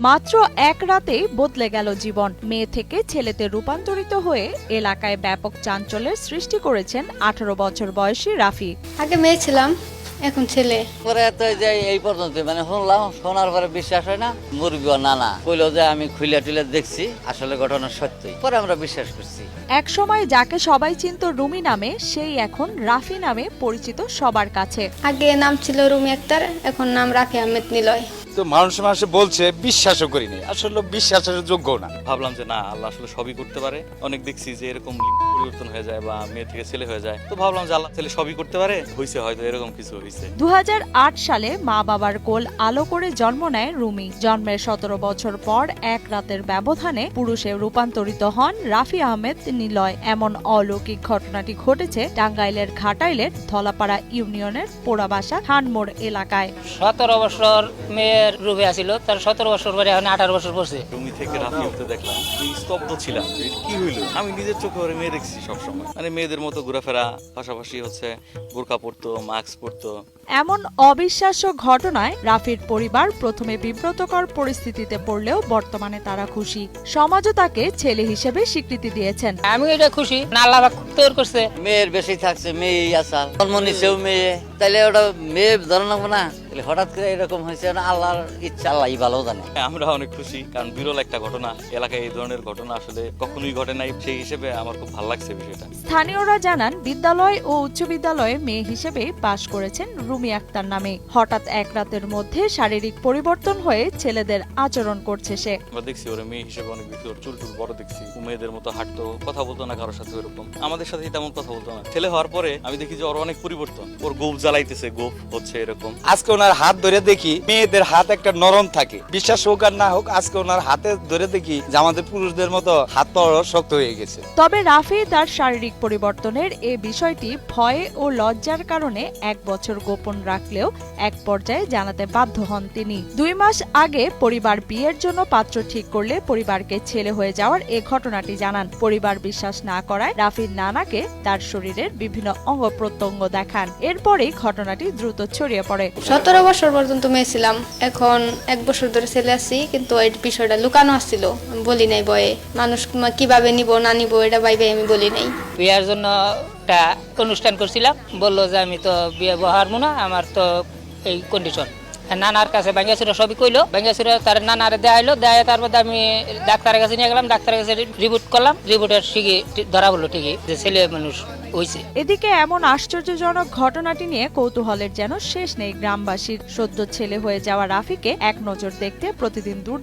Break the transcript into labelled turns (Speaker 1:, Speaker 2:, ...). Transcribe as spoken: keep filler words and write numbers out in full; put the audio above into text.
Speaker 1: মাত্র এক রাতেই বদলে গেল জীবন। মেয়ে থেকে ছেলেতে রূপান্তরিত হয়ে এলাকায় ব্যাপক চাঞ্চল্যের সৃষ্টি করেছেন আঠারো বছর বয়সী রাফি।
Speaker 2: আগে মেয়ে ছিলাম, এখন ছেলে।
Speaker 3: পরে তো যে এই পর্যন্ত মানে শুনলাম, শোনার পরে বিশ্বাস হয় না। মুরগি নানা কইলো যে আমি খুলে টুলে দেখছি, আসলে ঘটনা সত্যি। পরে আমরা বিশ্বাস করছি।
Speaker 1: এক সময় যাকে সবাই চিনত রুমি নামে, সেই এখন রাফি নামে পরিচিত সবার কাছে।
Speaker 2: আগে নাম ছিল রুমি আক্তার, এখন নাম রাফি আহমেদ নিলয়।
Speaker 4: তো মানুষ মানুষে বলছে, বিশ্বাসও করিনি, আসলে বিশ্বাসের যোগ্য না।
Speaker 5: ভাবলাম যে না, আল্লাহ আসলে সবই করতে পারে। অনেক দেখছি যে এরকম লিঙ্গ পরিবর্তন হয়ে যায় বা মেয়ে থেকে ছেলে হয়ে যায়, তো ভাবলাম যে আল্লাহ ছেলে সবই করতে পারে, হয়েছে হয়তো এরকম কিছু হয়েছে।
Speaker 1: দু হাজার আট সালে মা বাবার কোল আলো করে জন্ম নেয় রুমি। জন্মের সতেরো বছর পর এক রাতের ব্যবধানে পুরুষে রূপান্তরিত হন রাফি আহমেদ নিলয়। এমন অলৌকিক ঘটনাটি ঘটেছে টাঙ্গাইলের ঘাটাইলের ধলাপাড়া ইউনিয়নের পোড়াবাসা খানমোড় এলাকায়।
Speaker 6: সতেরো বছর মেয়ের রূপে আসিল, তার সতেরো বছর পরে এখন আঠারো বছর পড়ছে।
Speaker 5: রুমি থেকে রাফি হতে দেখলাম, স্তব্ধ ছিলাম, কি হইলো। আমি নিজের চোখে ওরে মেয়ে দেখছি সবসময়, মানে মেয়েদের মতো ঘোরাফেরা, পাশাপাশি হচ্ছে বোরকা পরতো, মাস্ক পরতো।
Speaker 1: এমন অবিশ্বাস্য ঘটনায় রাফির পরিবার প্রথমে বিব্রতকর পরিস্থিতিতে পড়লেও বর্তমানে তারা খুশি। সমাজও তাকে ছেলে হিসেবে স্বীকৃতি দিয়েছেন।
Speaker 6: আমি এটা খুশি, আল্লাহ পাক তৈরি করছে।
Speaker 3: মেয়ের বেশি থাকছে, মেয়েই আসাল, জন্ম নিছেও মেয়ে, তাইলে ওটা মেয়ে ধরে নেবো না। হঠাৎ করে এরকম হয়েছে, আল্লাহর ইচ্ছা, আল্লাহ ভালো জানে।
Speaker 5: আমরা অনেক খুশি, কারণ বিরল একটা ঘটনা। এলাকায় এই ধরনের ঘটনা আসলে কখনোই ঘটে নাই, সেই হিসেবে আমার খুব ভালো লাগছে বিষয়টা।
Speaker 1: স্থানীয়রা জানান, বিদ্যালয় ও উচ্চ বিদ্যালয়ে মেয়ে হিসেবে পাশ করেছেন রুমি আক্তার নামে। হঠাৎ এক রাতের মধ্যে শারীরিক পরিবর্তন হয়ে ছেলেদের আচরণ করছে সে।
Speaker 5: আমরা দেখছি ওরা মেয়ে হিসেবে অনেক বেশি, ওর চুল টুল বড় দেখছি, মেয়েদের মতো হাঁটতো, কথা বলতো না কারোর সাথে ওরকম, আমাদের সাথে তেমন কথা বলতো না। ছেলে হওয়ার পরে আমি দেখি যে ওর অনেক পরিবর্তন, ওর গোপ জ্বালাইতেছে, গোপ হচ্ছে এরকম।
Speaker 4: আজকে ওনার হাত ধরে দেখি মেয়েদের হাত একটা নরম থাকে, বিশ্বাস হোক আর না হোক, আজকে ওনার হাতে ধরে দেখি যে আমাদের পুরুষদের মতো হাত পা শক্ত হয়ে গেছে।
Speaker 1: তবে রাফি তার শারীরিক পরিবর্তনের এ বিষয়টি ভয়ে ও লজ্জার কারণে এক বছর গোপন রাখলেও এক পর্যায়ে জানাতে বাধ্য হন তিনি। দুই মাস আগে পরিবার বিয়ের জন্য পাত্র ঠিক করলে পরিবারকে ছেলে হয়ে যাওয়ার এ ঘটনাটি জানান। পরিবার বিশ্বাস না করায় রাফির নানাকে তার শরীরের বিভিন্ন অঙ্গ প্রত্যঙ্গ দেখান। এরপরেই ঘটনাটি দ্রুত ছড়িয়ে পড়ে।
Speaker 2: সতেরো বছর পর্যন্ত মেয়ে ছিলাম, এখন এক বছর ধরে ছেলে আছি, কিন্তু এই বিষয়টা লুকানো আসছিল, আমি বলি নাই বয়ে। মানুষ কিভাবে নিব না নিব এটা ভাইবে আমি বলি নাই।
Speaker 6: বিয়ার জন্য একটা অনুষ্ঠান করছিলাম, বললো যে আমি তো বিয়ে বহারমু না, আমার তো এই কন্ডিশন। নানার কাছে বাঙ্গাসুরা সবই কইলো, বাঙ্গাসুরা তার নানারে দেখাইলো, দেয় তারপর আমি ডাক্তারের কাছে নিয়ে গেলাম, ডাক্তারের কাছে রিপোর্ট করলাম, রিপোর্টের ঠিকই ধরা বললো ঠিকই যে ছেলে মানুষ হয়েছে।
Speaker 1: এদিকে এমন আশ্চর্যজনক ঘটনাটি নিয়ে কৌতূহলের যেন শেষ নেই গ্রামবাসীর। সদ্য ছেলে হয়ে যাওয়া রাফিকে এক নজর দেখতে প্রতিদিন দূর